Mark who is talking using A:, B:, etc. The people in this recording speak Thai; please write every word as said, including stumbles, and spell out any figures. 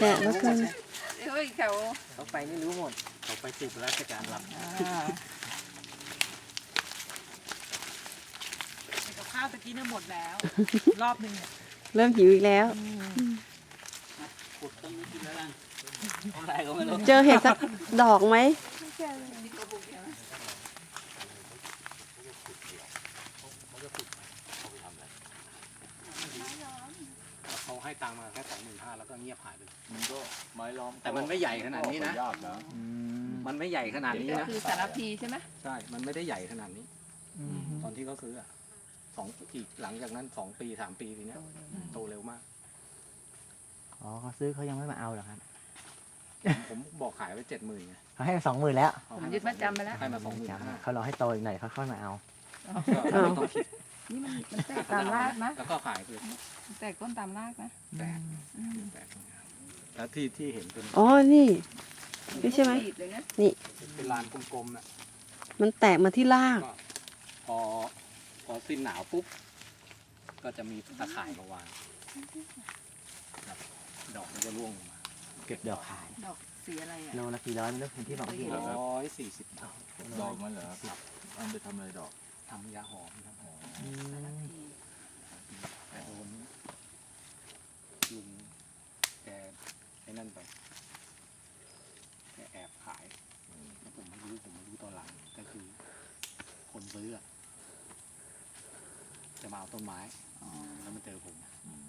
A: กะแล้วกัน
B: เฮ้ยเขา
C: เขาไปนี่รู้หมดเขาไปสืบราชการรับ
D: กับข้าวตะกี้เนี่ยหมดแล้ว รอบหนึ่งเนี่ย
A: เริ่มหิวอีกแล้ว
C: ขุดต้นนี้กินแล้วกันอะไรก็ไม่รู้
A: เจอเห็ดสักดอกไหม
C: เขาให้ตังค์มาแค่สองหมื่นห้าแล้วก็เงียบหายไป
E: มันก็ไม้ล้อม
C: แต่มันไม่ใหญ่ขนาดนี้นะ
E: ยากนะ
C: มันไม่ใหญ่ขนาดนี้นะ
B: คือสารพีใช่ไหม
C: ใช่ มันไม่ได้ใหญ่ขนาดนี้ ตอนที่เขาซื้ออะสองอีกหลังจากนั้นสองปีสามปีทีเนี้ยโตเร็วมาก
F: อ๋อเขาซื้อเขายังไม่มาเอาเหรอครับ
C: ผมบอกขายไปเจ็ดหมื่นไง
F: เขาให้สองหมื่นแล้ว
B: ผมยึดมัดจำไปแล้ว
C: ให้มาสองหมื่นห้า
F: เขารอให้โตอีกหน่อยเขาค่อยมาเอา
C: ก็ไม่ต้องคิด
B: นี่มันมันแตกตามรากนะ
C: แล้วก็ขายไป
B: มันแตกต้นตามรากนะ
C: แตกแตกแล้วที่ที่เห็นเป็น
A: อ๋อ นี่ นี่ใช่ไหม
B: รีดเลยนะ
C: เป็นลานกลมๆน่ะ
A: มันแตกมาที่ราก
C: ก็พอพอสิ้นหนาวปุ๊บ ก็จะมีตะข่ายมาวางครับดอกมันจะร่วงลงมา
F: เก็บดอกขาย
B: ดอกสีอะไรอ่ะ
F: โลละกี่ร้อยไม่รู้คุณที่บอกพี่
C: ร้อยสี่สิบบาท
E: ดอกมันเหรอครับเอาไปทำอะไรดอก
C: ทำยาหอมครับหอม
F: อืม
C: แต่โดนลุงแกไอ้นั่นไปแกแอบขายแล้วผมไม่รู้ผมไม่รู้ตอนหลังก็คือ คนซื้ออะจะมาเอาต้นไม้แล้วมาเจอผม
E: อืม